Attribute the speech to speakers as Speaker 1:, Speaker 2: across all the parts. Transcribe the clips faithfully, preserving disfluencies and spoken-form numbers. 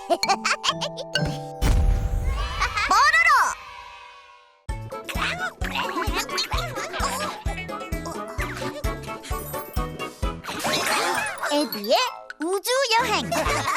Speaker 1: 에디의 우주 여행.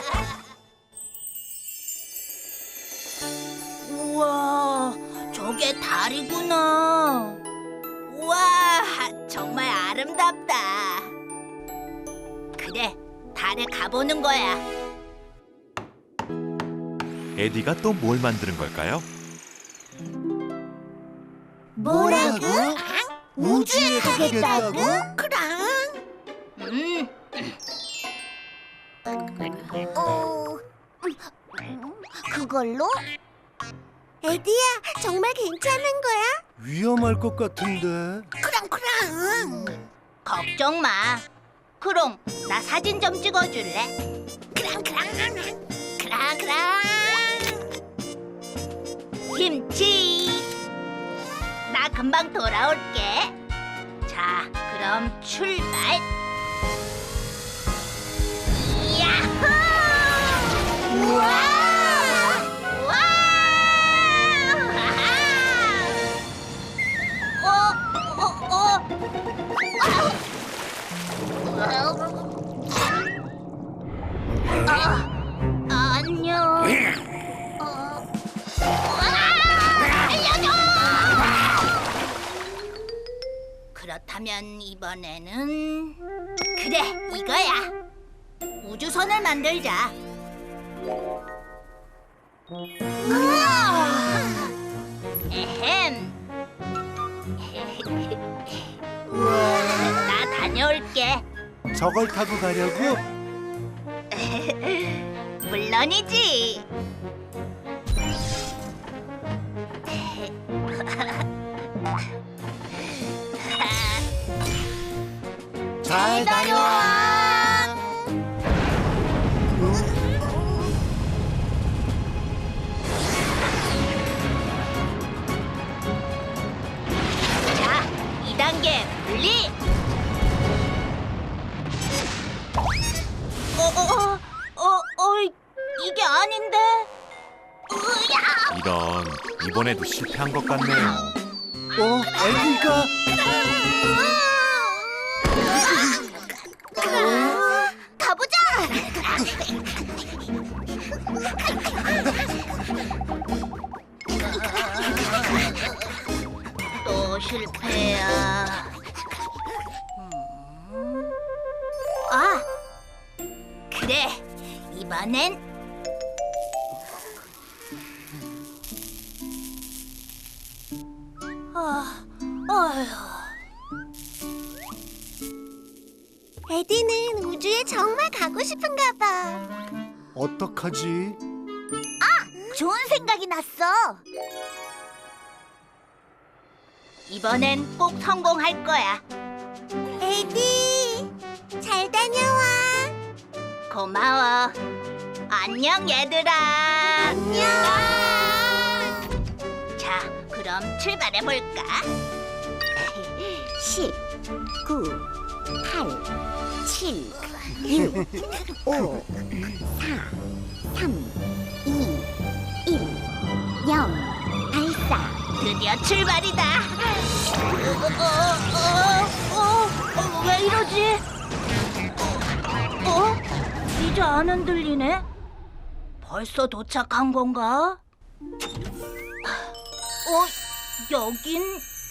Speaker 2: 우와, 저게 달이구나. 우와, 정말 아름답다. 그래, 달에 가보는 거야.
Speaker 3: 에디가 또 뭘 만드는 걸까요?
Speaker 1: 뭐라고? 우주에 가겠다고?
Speaker 2: 그랑. 음,
Speaker 1: 어... 그걸로? 에디야, 정말 괜찮은 거야?
Speaker 4: 위험할 것 같은데.
Speaker 2: 그랑 그랑. 걱정 마. 그럼 나 사진 좀 찍어줄래? 그랑 그랑 그랑 그랑. 김치. 나 금방 돌아올게. 자, 그럼 출발. 야호! 우와! 우와! 어, 어, 어. 아, 안녕. 어. 아, 알려줘! 그렇다면 이번에는 그래, 이거야. 우주선을 만들자. 에헴. 나 다녀올게.
Speaker 4: 저걸 타고 가려고?
Speaker 2: 물론이지.
Speaker 4: 잘 다녀와.
Speaker 2: 자, 이 단계 분리. 어, 어, 어, 어, 이게 아닌데. 으야!
Speaker 3: 이런, 이번에도 실패한 것 같네요.
Speaker 4: 어, 에디가
Speaker 1: 가보자!
Speaker 2: 또 실패야. 음. 아, 그래. 이번엔 아, 어휴.
Speaker 1: 에디는 우주에 정말 가고 싶은가 봐.
Speaker 4: 어떡하지?
Speaker 1: 좋은 생각이 났어.
Speaker 2: 이번엔 꼭 성공할 거야.
Speaker 1: 에디, 잘 다녀와.
Speaker 2: 고마워. 안녕, 얘들아.
Speaker 1: 안녕.
Speaker 2: 자, 그럼 출발해 볼까?
Speaker 1: 십, 구, 팔, 칠, 육, 오, 사, 삼, 이, 일, 영. 발사.
Speaker 2: 드디어 출발이다. 어, 어, 어, 어, 왜 이러지? 어? 이제 안 흔들리네? 벌써 도착한 건가? 어, 여긴...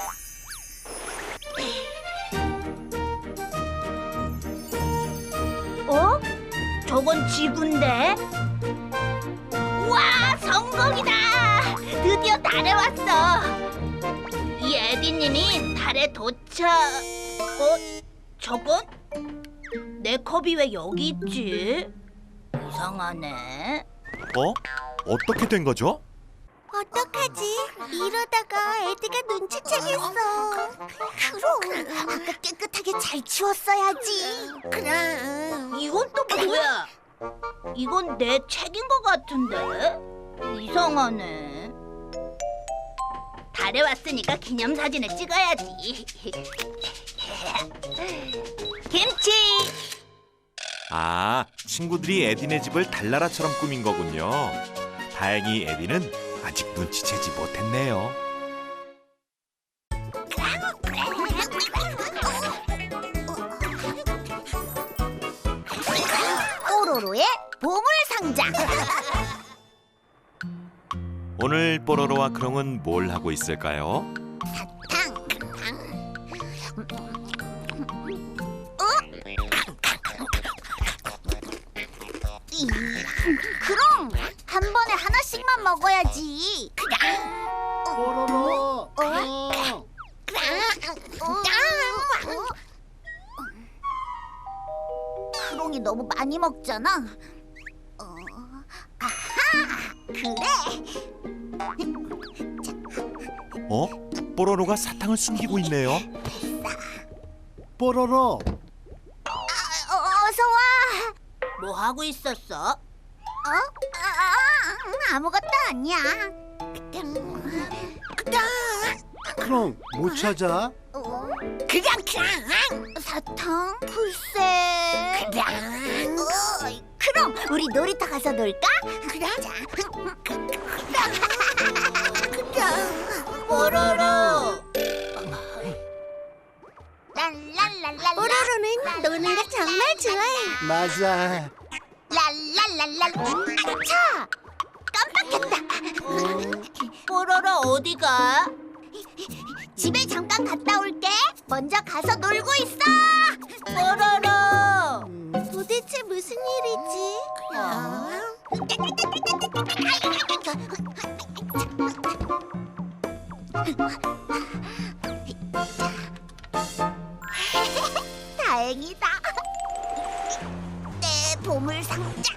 Speaker 2: 어? 저건 지구인데? 와, 성공이다! 드디어 달에 왔어! 이 에디님이 달에 도착... 어? 저건? 내 컵이 왜 여기 있지? 이상하네.
Speaker 3: 어? 어떻게 된 거죠?
Speaker 1: 어떡하지? 이러다가 에디가 눈치채겠어. 그럼 아까 깨끗하게 잘 치웠어야지. 그럼
Speaker 2: 이건 또 뭐야? 이건 내 책인 것 같은데? 이상하네. 달에 왔으니까 기념사진을 찍어야지. 김치!
Speaker 3: 아, 친구들이 에디네 집을 달나라처럼 꾸민 거군요. 다행히 에디는 아직 눈치채지 못했네요.
Speaker 2: 뽀로로의 보물 상자.
Speaker 3: 오늘 뽀로로와 크롱은 뭘 하고 있을까요?
Speaker 2: 탕, 탕. 이, 그럼 한 번에 하나씩만 먹어야지.
Speaker 4: 뽀로로. 어.
Speaker 2: 크롱이 너무 많이 먹잖아. 어, 아하, 그래.
Speaker 3: 어? 뽀로로가 사탕을 숨기고 있네요.
Speaker 4: 뽀로로.
Speaker 2: 어, 어서 와. 뭐 하고 있었어? 어? 아, 아무것도 아니야.
Speaker 4: 크롱 못 찾아?
Speaker 2: 어? 그냥 그냥 사탕? 글쎄. 그냥. 어, 그럼 우리 놀이터 가서 놀까? 그러자. 그냥. 뽀로로. 랄랄랄랄라.
Speaker 1: 뽀로로는 노는 걸 정말 좋아해.
Speaker 4: 맞아.
Speaker 2: 랄랄랄랄. 아차! 깜빡했다. 뽀로로 어디가? 집에 잠깐 갔다 올게. 먼저 가서 놀고 있어. 뽀로로.
Speaker 1: 도대체 무슨 일이지?
Speaker 2: 다행이다. 내 보물 상자.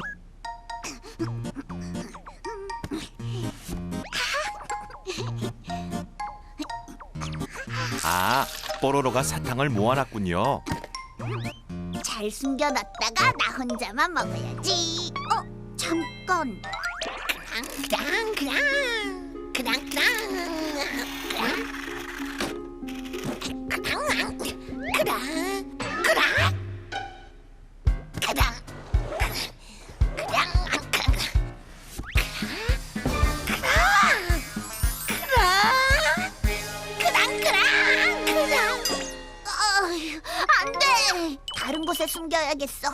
Speaker 3: 아, 뽀로로가 사탕을 모아놨군요.
Speaker 2: 잘 숨겨놨다가 나 혼자만 먹어야지. 어, 잠깐. 그랑 그랑 그랑 그랑 그랑 그랑 그랑 그랑 안돼. 다른 곳에 숨겨야겠어.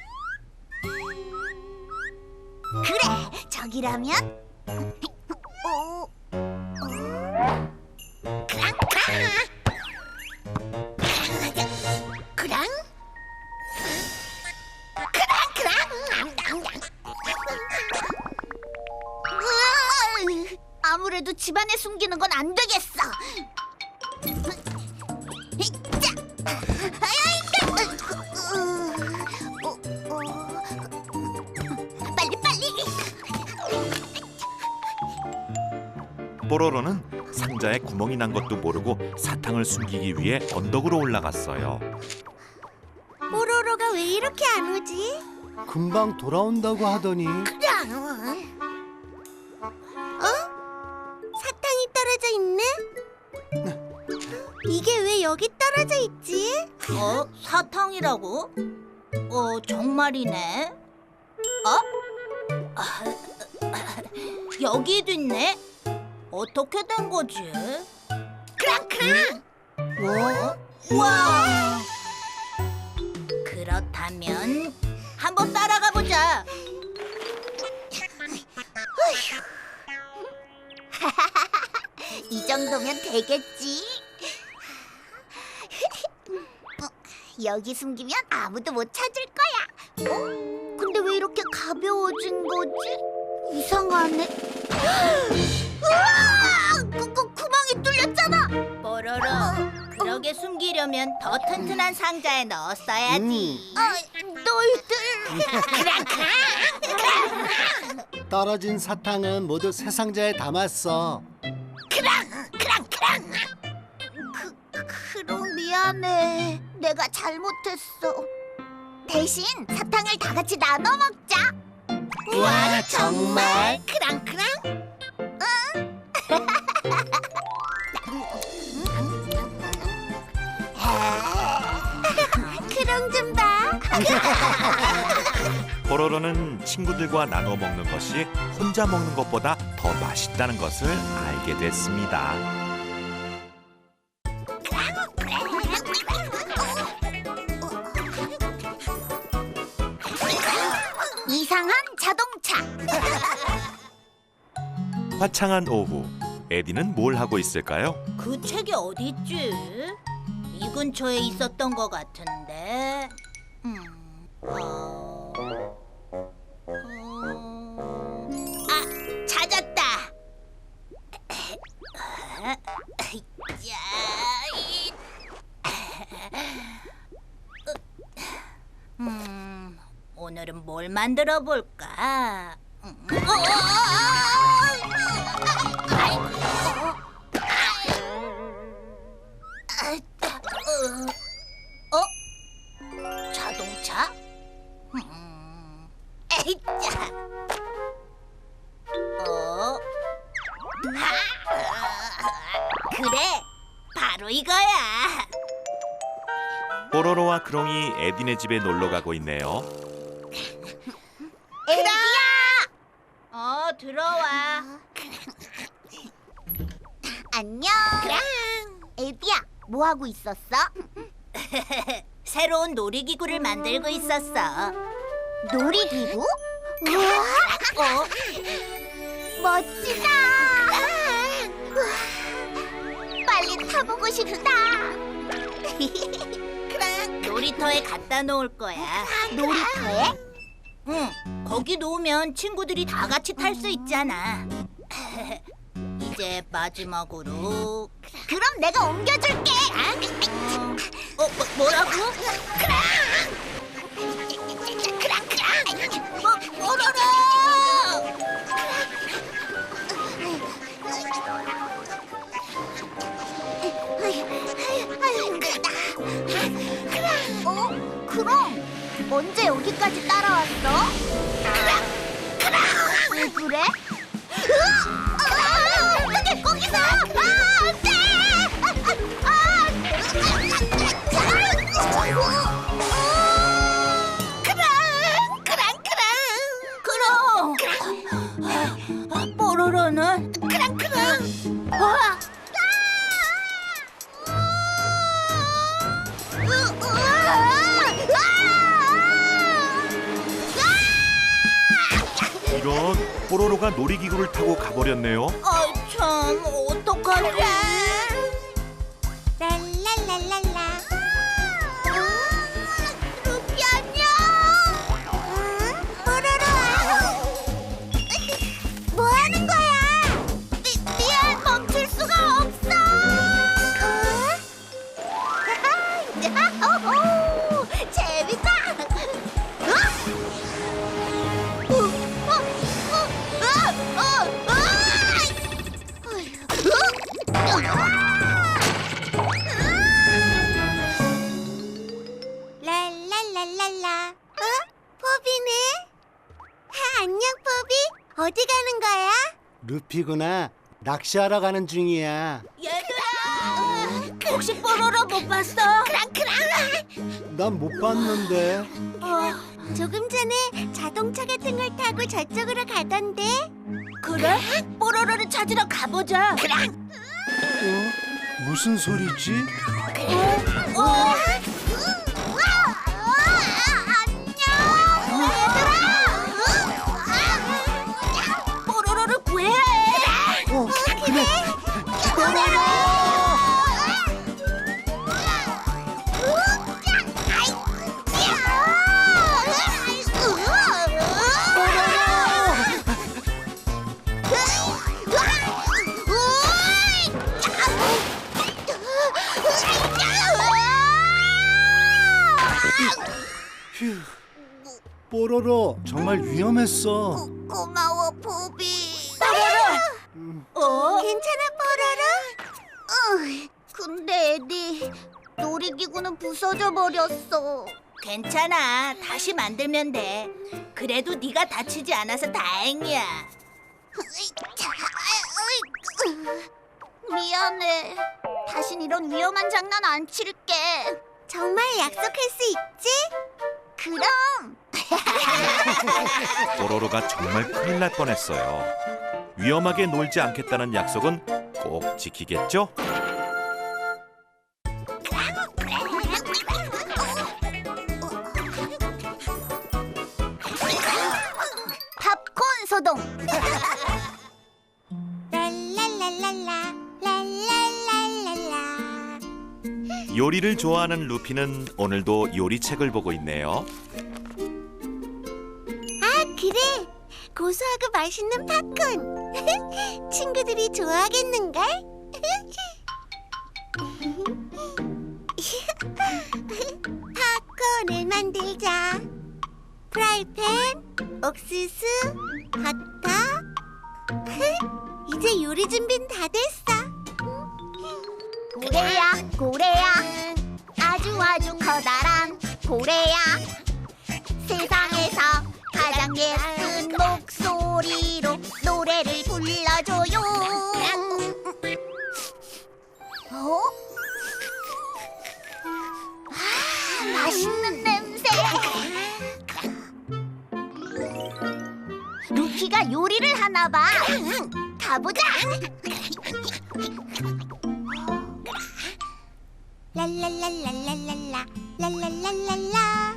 Speaker 2: 그래, 저기라면. 어, 어. 그랑 그랑 그랑 그랑 그랑 으아, 아무래도 집안에 숨기는 건 안 되겠어. 빨리 빨리.
Speaker 3: 뽀로로는 상자에 구멍이 난 것도 모르고 사탕을 숨기기 위해 언덕으로 올라갔어요.
Speaker 1: 뽀로로가 왜 이렇게 안 오지?
Speaker 4: 금방 돌아온다고 하더니.
Speaker 1: 어? 사탕이 떨어져 있네? 이게 왜 여기 떨어져 있지?
Speaker 2: 어? 사탕이라고? 어, 정말이네. 어? 아, 여기도 있네. 어떻게 된 거지? 크랑크랑. 어? 와. 그렇다면 한번 따라가 보자. 이 정도면 되겠지. 어, 여기 숨기면 아무도 못 찾을 거야. 어? 근데 왜 이렇게 가벼워진 거지? 이상하네. 우와! 구, 구, 구멍이 뚫렸잖아. 뽀로로, 그러게 숨기려면 더 튼튼한 상자에 넣었어야지. 어, 너희들. 크랑크랑.
Speaker 4: 떨어진 사탕은 모두 새 상자에 담았어.
Speaker 2: 크랑, 크랑, 크랑. 그, 크롱 미안해. 내가 잘못했어. 대신 사탕을 다 같이 나눠 먹자.
Speaker 4: 와, 정말?
Speaker 2: 크랑크랑. 응.
Speaker 1: 크롱 좀 봐.
Speaker 3: 뽀로로는 친구들과 나눠 먹는 것이 혼자 먹는 것보다 더 맛있다는 것을 알게 됐습니다.
Speaker 2: 이상한 자동차.
Speaker 3: 화창한 오후, 에디는 뭘 하고 있을까요?
Speaker 2: 그 책이 어디 있지? 이 근처에 있었던 것 같은데. 음. 어... 어... 아, 찾았다. 야, 이- 음, 오늘은 뭘 만들어 볼까? 음. 어, 어, 어, 어? 어? 자동차? 음. 에이짜. 어? 하! 그래, 바로 이거야.
Speaker 3: 뽀로로와 크롱이 에디네 집에 놀러 가고 있네요.
Speaker 2: 에디야! 어, 들어와.
Speaker 1: 안녕. 에디야, 뭐 하고 있었어?
Speaker 2: 새로운 놀이기구를 만들고 있었어.
Speaker 1: 놀이기구? 우와,
Speaker 2: 어?
Speaker 1: 멋지다. 우와, 빨리 타보고 싶다.
Speaker 2: 놀이터에 갖다 놓을 거야.
Speaker 1: 놀이터에?
Speaker 2: 응, 거기 놓으면 친구들이 다 같이 탈 수 있잖아. 이제 마지막으로.
Speaker 1: 그럼 내가 옮겨줄게.
Speaker 2: 어, 뭐, 뭐라고?
Speaker 1: 크랑 크랑.
Speaker 2: 뭐, 뽀로로!
Speaker 1: 아유, 힘들다. 어? 그럼 언제 여기까지 따라왔어? 왜 그래? 으아! 어떻게 거기서? 아, 안 돼! 아, 아, 크랑, 크랑,
Speaker 2: 그럼! 뽀로로는?
Speaker 1: 크랑, 크랑.
Speaker 2: 와!
Speaker 3: 이런, 뽀로로가 놀이기구를 타고 가버렸네요.
Speaker 2: 아, 참, 어떡하지?
Speaker 1: 랄랄랄랄라. 루피 안녕. 뽀로로. 뭐 하는 거야? 미, 미안, 멈출 수가 없어. 오, 재밌다. 어? 어? 어? 어? 어? 랄랄랄랄라. 어? 포비네? 하, 안녕, 포비. 어디 가는 거야?
Speaker 4: 루피구나. 낚시하러 가는 중이야.
Speaker 2: 얘들아! 혹시 뽀로로 못 봤어?
Speaker 1: 크랑크랑.
Speaker 4: 난 못 봤는데.
Speaker 2: 어,
Speaker 1: 조금 전에 자동차 같은 걸 타고 저쪽으로 가던데.
Speaker 2: 그래? 뽀로로를 찾으러 가보자.
Speaker 4: 어? 무슨 소리지?
Speaker 2: 어?
Speaker 1: 안녕.
Speaker 2: 뽀로로를 구해야 해.
Speaker 4: 어, 그래. 휴. 뽀로로 정말 위험했어.
Speaker 1: 고마워, 포비.
Speaker 2: 어?
Speaker 1: 괜찮아, 뽀로로? 어, 근데 에디, 놀이기구는 부서져 버렸어.
Speaker 2: 괜찮아. 다시 만들면 돼. 그래도 네가 다치지 않아서 다행이야.
Speaker 1: 미안해. 다신 이런 위험한 장난 안 칠게. 정말 약속할 수 있지? 그럼.
Speaker 3: 뽀로로가 정말 큰일 날 뻔했어요. 위험하게 놀지 않겠다는 약속은 꼭 지키겠죠?
Speaker 1: 팝콘 소동. 랄랄랄랄라 랄랄랄랄라.
Speaker 3: 요리를 좋아하는 루피는 오늘도 요리책을 보고 있네요.
Speaker 1: 아, 그래. 고소하고 맛있는 팝콘. 친구들이 좋아하겠는걸? 팝콘을 만들자. 프라이팬, 옥수수, 버터. 이제 요리 준비는 다 됐어. 고래야, 고래야. 아주 아주 커다란 고래야. 세상에서 가장 예쁜 목소리로 노래를 불러줘요. 어? 아, 맛있는 냄새. 루피가 요리를 하나 봐. 가보자. 랄랄랄랄랄랄라 랄랄랄랄라.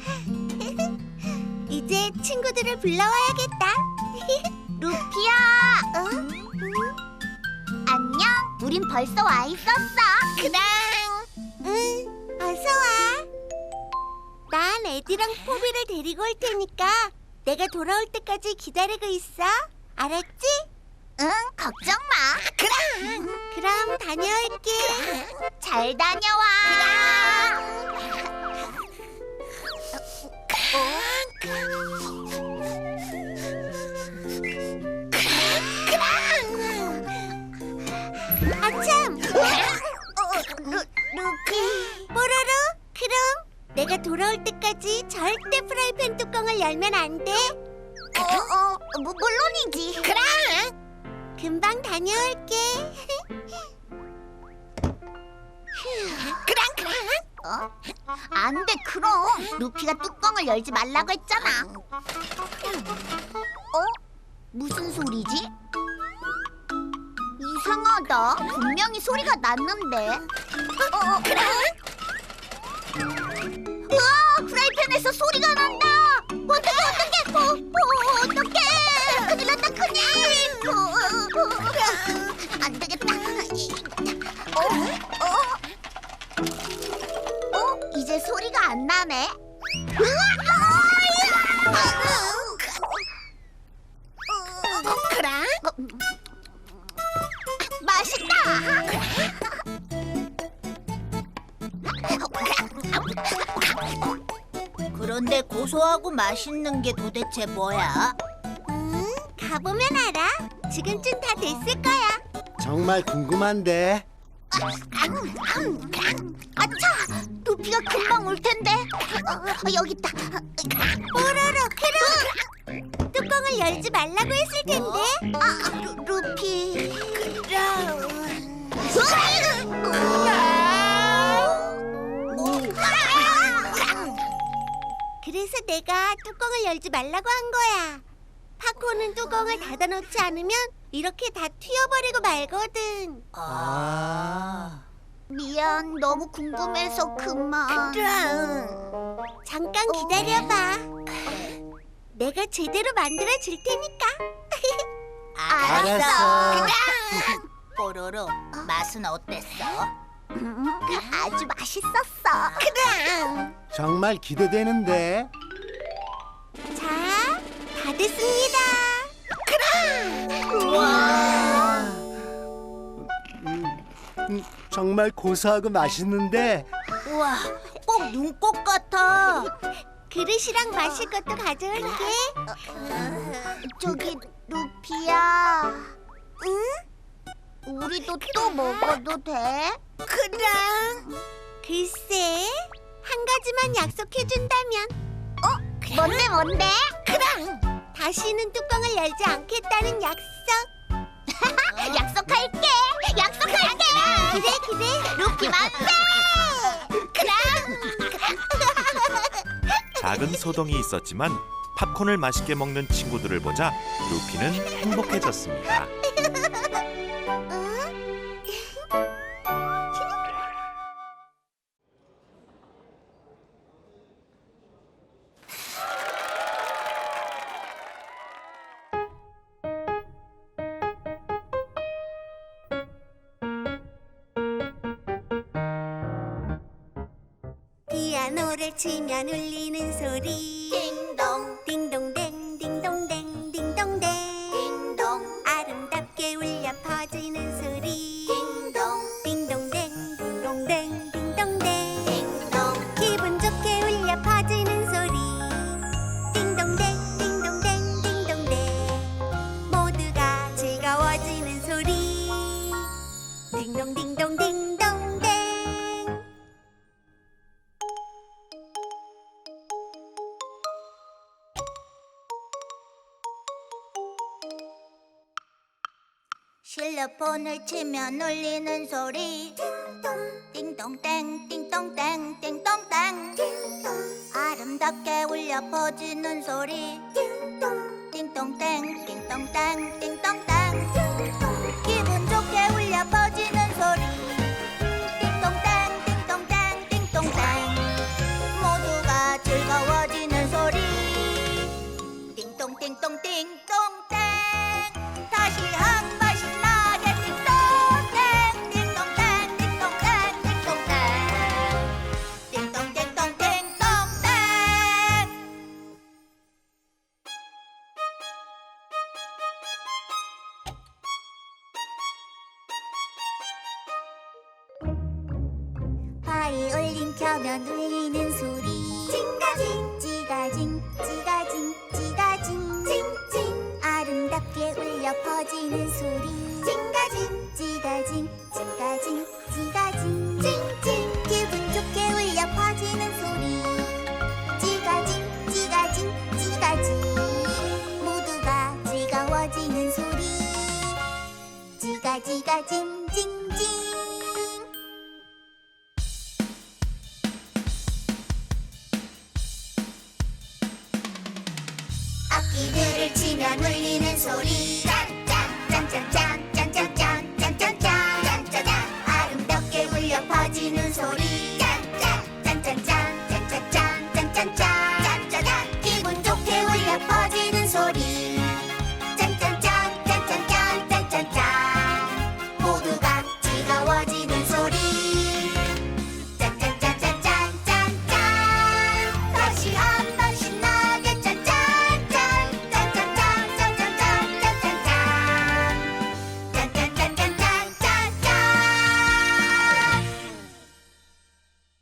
Speaker 1: 이제 친구들을 불러와야겠다. 루피야. 어? 안녕. 우린 벌써 와 있었어. 그랑. 응. 어서 와. 난 에디랑 포비를 데리고 올 테니까 내가 돌아올 때까지 기다리고 있어. 알았지? 응. 걱정 마. 그럼. 그럼 다녀올게. 잘 다녀와. 아참! 루, 루피 뽀로로? 그럼 내가 돌아올 때까지 절대 프라이팬 뚜껑을 열면 안 돼? 어, 어, 뭐, 물론이지. 그럼! 금방 다녀올게. 그랑 그랑. 어? 안 돼, 그럼. 루피가 뚜껑을 열지 말라고 했잖아. 어? 무슨 소리지? 이상하다. 분명히 소리가 났는데. 어, 그랑. 우와, 프라이팬에서 소리가 난다. 어떡해, 어떡해. 어, 어, 어떡해. 큰일 났다, 큰일. 어, 어, 어, 안 되겠다. 어, 어. 어? 이제 소리가 안 나네. 그래? 맛있다. 그런데 고소하고 맛있는 게 도대체 뭐야? 음, 가보면 알아. 지금쯤 다 됐을 거야.
Speaker 4: 정말 궁금한데.
Speaker 1: 아차! 루피가 금방 올 텐데. 어, 여기 있다. 뽀로로, 크롱. 뚜껑을 열지 말라고 했을 텐데. 아, 루, 루피. 크롱. 그래서 내가 뚜껑을 열지 말라고 한 거야. 팝콘은 뚜껑을 닫아놓지 않으면 이렇게 다 튀어버리고 말거든.
Speaker 4: 아.
Speaker 1: 미안, 너무 궁금해서 그만. 잠깐 기다려봐. 내가 제대로 만들어 줄 테니까.
Speaker 4: 알았어.
Speaker 2: 뽀로로, 맛은 어땠어?
Speaker 1: 음, 아주 맛있었어. 그럼.
Speaker 4: 정말 기대되는데.
Speaker 1: 자, 다 됐습니다. 그럼.
Speaker 4: 와. 음, 음, 정말 고소하고 맛있는데.
Speaker 2: 우와, 꼭 눈꽃 같아.
Speaker 1: 그릇이랑 마실 것도 가져올게. 저기 루피야. 응? 우리도 또 먹어도 돼? 그럼. 글쎄, 한 가지만 약속해준다면. 어? 뭔데 뭔데? 그럼. 다시는 뚜껑을 열지 않겠다는 약속. 약속할게. 약속할게. 그래 그래. 루피 만세. 그럼.
Speaker 3: 작은 소동이 있었지만 팝콘을 맛있게 먹는 친구들을 보자 루피는 행복해졌습니다.
Speaker 1: 피아노를 치면 울리는 소리
Speaker 2: 띵동
Speaker 1: 딩동댕 딩동댕 딩동댕
Speaker 2: 띵동
Speaker 1: 아름답게 울려 퍼지는 소리
Speaker 2: 띵동
Speaker 1: 딩동댕 딩동댕 딩동댕
Speaker 2: 띵동
Speaker 1: 기분 좋게 울려 퍼지는 소리 딩동댕 딩동댕 딩동댕 모두가 즐거워지는 소리 딩동딩동 딩동댕
Speaker 2: 실로폰을 치면 울리는 소리 띵동땡 띵동땡 띵동땡 아름답게 울려 퍼지는 소리 띵동땡 띵동땡 띵동땡 기분 좋게 울려 퍼지는 소리 띵동땡 띵동땡 띵동땡 모두가 즐거워지는 소리 띵동띵동 띵동땡 다시 한번 신나게 띵동땡 띵동땡 띵동땡 띵동땡 띵동띵동 띵동땡
Speaker 1: 바이올린 켜면 울리는 소리 찡가징 찌가징 찌가징 찌가징 찡찡 아름답게 울려 퍼지는 소리 찡가징 찌가징 찌가징 찌가징 찡찡 기분 좋게 울려 퍼지는 소리 찌가징 찌가징 찌가징 모두가 즐거워지는 소리 찌가찌가징 찡찡 악기들을 치면 울리는 소리 짠짠 짠짠짠